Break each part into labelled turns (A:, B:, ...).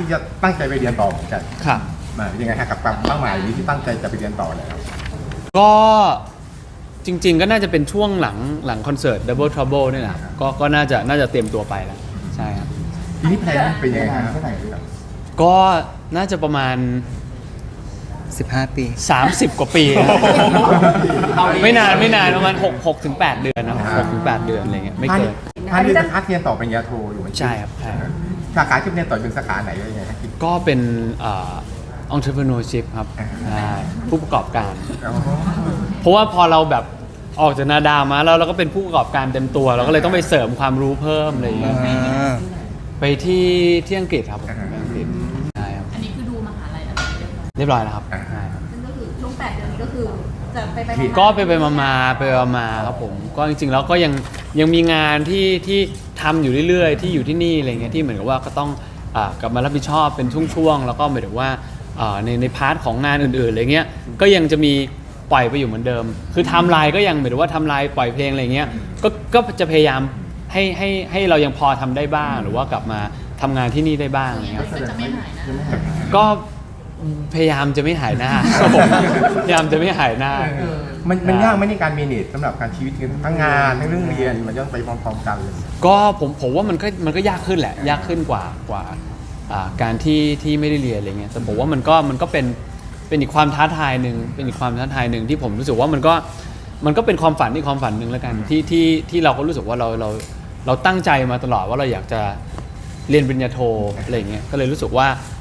A: ที่จะตั้งใจไปเรียนต่อเหมือนกัน
B: ครับ
A: ยังไงฮะกับความเป้าหมายนี้ที่ตั้งใจจะไปเรียนต่อแล้ว
B: ก็จริงๆก็น่าจะเป็นช่วงหลังคอนเสิร์ต Double Trouble นี่แหละก็น่าจะเตรียมตัวไปแล้วใช่ครับ
A: ทีนี้แพลนเป็นยังไงฮะ
B: ก็น่าจะประมาณ
C: 15 ปี
B: 30 กว่าปีไม่นานประมาณ6 ถึง 8 เดือนนะ6 ถึง 8 เดือนอะไรเงี้ยไม่เกิน
A: ท่านเรียนเรียนต่อปริญญาโทอยู่
B: ใช่ครับ
A: สาขาที่เรียนต่อเป็นสาขาไหนยังไงครับ
B: ก็เป็นentrepreneurship ครับผู้ประกอบการเพราะว่าพอเราแบบออกจากนาดามาแล้วเราก็เป็นผู้ประกอบการเต็มตัวเราก็เลยต้องไปเสริมความรู้เพิ่มอะไรอย่างเงี้ยไปที่อังกฤษครับอังกฤษใช่ครับ
D: อันนี้คือดูมหาลัยอะไร
B: เรียบร้อยแล้วครับ
D: ซึ่งก็คือช่วง8 เดือนนี้ก็คือจะไป
B: ก็ไปมาครับผมก็จริงๆแล้วก็ยังมีงานที่ทำอยู่เรื่อยๆที่อยู่ที่นี่อะไรเงี้ยที่เหมือนกับว่าก็ต้องกลับมารับผิดชอบเป็นช่วงๆแล้วก็หมายถึงว่าในพาร์ทของงานอื่นๆอะไรเงี้ยก็ยังจะมีปล่อยไปอยู่เหมือนเดิมคือไทม์ไลน์ก็ยังหมายถึงว่าไทม์ไลน์ปล่อยเพลงอะไรเงี้ยก็จะพยายามให้เรายังพอทำได้บ้างหรือว่ากลับมาทำงานที่นี่ได้บ้างอะไรเงี้ยก็พยายามจะไม่หายหน้าครับผมพยายามจะไม่หายหน้า
A: มันยากไหมในการเมเนจสำหรับการชีวิตทั้งงานทั้งเรื่องเรียนมันต้องไปพร้อมๆกันเลย
B: ก็ผมว่ามันก็ยากขึ้นแหละยากขึ้นกว่าการที่ไม่ได้เรียนอะไรเงี้ยแต่ผมว่ามันก็เป็นอีกความท้าทายหนึ่งที่ผมรู้สึกว่ามันก็เป็นความฝันหนึ่งแล้วกันที่เราก็รู้สึกว่าเราตั้งใจมาตลอดว่าเราอยากจะเรียนปริญญาโทอะไรเงี้ยก็เลยรู้สึกว่า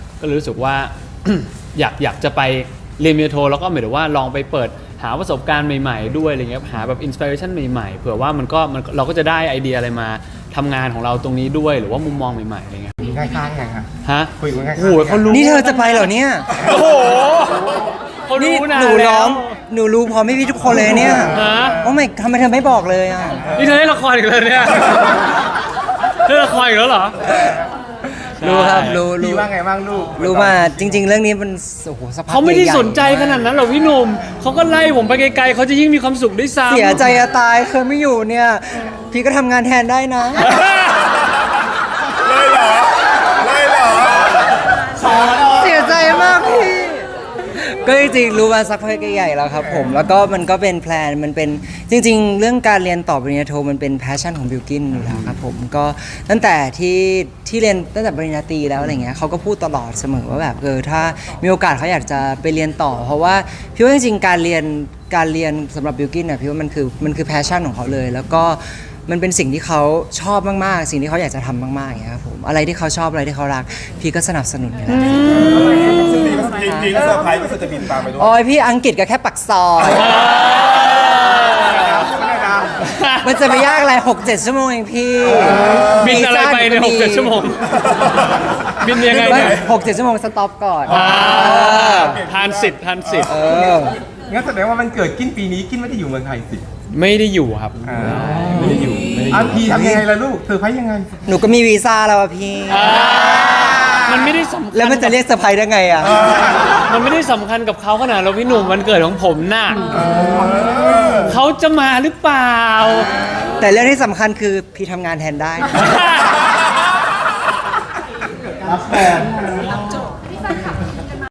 B: อยากจะไปเรียนปริญญาโทแล้วก็หมายถึงว่าลองไปเปิดหาประสบการณ์ใหม่ๆด้วยอะไรเงี้ยหาแบบอินสปิเรชันใหม่ๆเผื่อว่าเราก็จะได้ไอเดียอะไรมาทำงานของเราตรงนี้ด้วยหรือว่ามุมมองใหม่ๆอะไรเงี้ย
A: ง่ายๆไงครับคุยง่ายๆ
B: โอ้โหเขารู้
C: นี่เธอจะไปเหรอเนี่ย
B: โอ้โหเขารู้นะ
C: หนูรู้พร้อมพี่ทุกคนเลยเนี่ยโอ้ไม่ทำไมเธอไม่บอกเลยอ่ะ
B: นี่เธอเล่นละครอีกแล้วเนี่ยเล่นละครอีกแล้วเหรอ
C: รู้ครับรู้
A: ว่าไงบ้างลูก
C: รู้มาจริงๆเรื่องนี้มันโอ้โหสภาพ
B: เขาไม่ได้สนใจขนาดนั้นหรอกพี่หนุ่มเขาก็ไล่ผมไปไกลๆเขาจะยิ่งมีความสุขด้วยซ้ำ
C: เสียใจจะตายเคยไม่อยู่เนี่ยพี่ก็ทำงานแทนได้นะ
A: เลยเหรอ
C: เสียใจมากพี่ก็จริงๆรู้มาสักพักใหญ่แล้วครับผมแล้วก็มันก็เป็นแพลนมันเป็นจริงๆเรื่องการเรียนต่อปริญญาโทมันเป็นแพชชั่นของบิลกินอยู่แล้วครับผมก็ตั้งแต่ที่เรียนตั้งแต่ปริญญาตรีแล้วอะไรเงี้ยเขาก็พูดตลอดเสมอว่าแบบถ้ามีโอกาสเขาอยากจะไปเรียนต่อเพราะว่าพี่ว่าจริงๆการเรียนสำหรับบิลกินเนี่ยพี่ว่ามันคือแพชชั่นของเขาเลยแล้วก็มันเป็นสิ่งที่เขาชอบมากๆสิ่งที่เขาอยากจะทำมากๆอย่างเงี้ยครับผมอะไรที่เขาชอบอะไรที่เขารักพี่ก็สนับสนุนอยู่แล้ว
A: จริงๆเซอร์ไพรส์ก็จะบินตามไปด้วย
C: โอ้ยพี่อังกฤษก็แค่ปักซอยมันจะไปยากอะไร 6-7 ชั่วโมงเองพี่
B: บินอะไรไปใน 6-7 ชั่วโมงบินยังไงเนี่ย
C: 6-7 ชั่วโมงสต็อปก่อน
B: ทานสิทธิ์
A: งั้นแสดงว่ามันเกิดกินปีนี้กินไม่ได้อยู่เมืองไทยสิ
B: ไม่ได้อยู่ครับไม่ได้อยู่
A: พี่ทำยังไงล่ะลูกเซอร์ไพรส์ยังไง
C: หนูก็มีวีซ่าแล้วอะพี่
B: มันไม่ได้สำคัญ
C: แล้วมันจะเรียกเซอร์ไพรส์ได้ไงอะ
B: มันไม่ได้สำคัญกับเขาขนาดเราพี่หนุ่มวันเกิดของผมน่ะเขาจะมาหรือเปล่า
C: แต่เรื่องที่สำคัญคือพี่ทำงานแทนได้
A: รับแฟน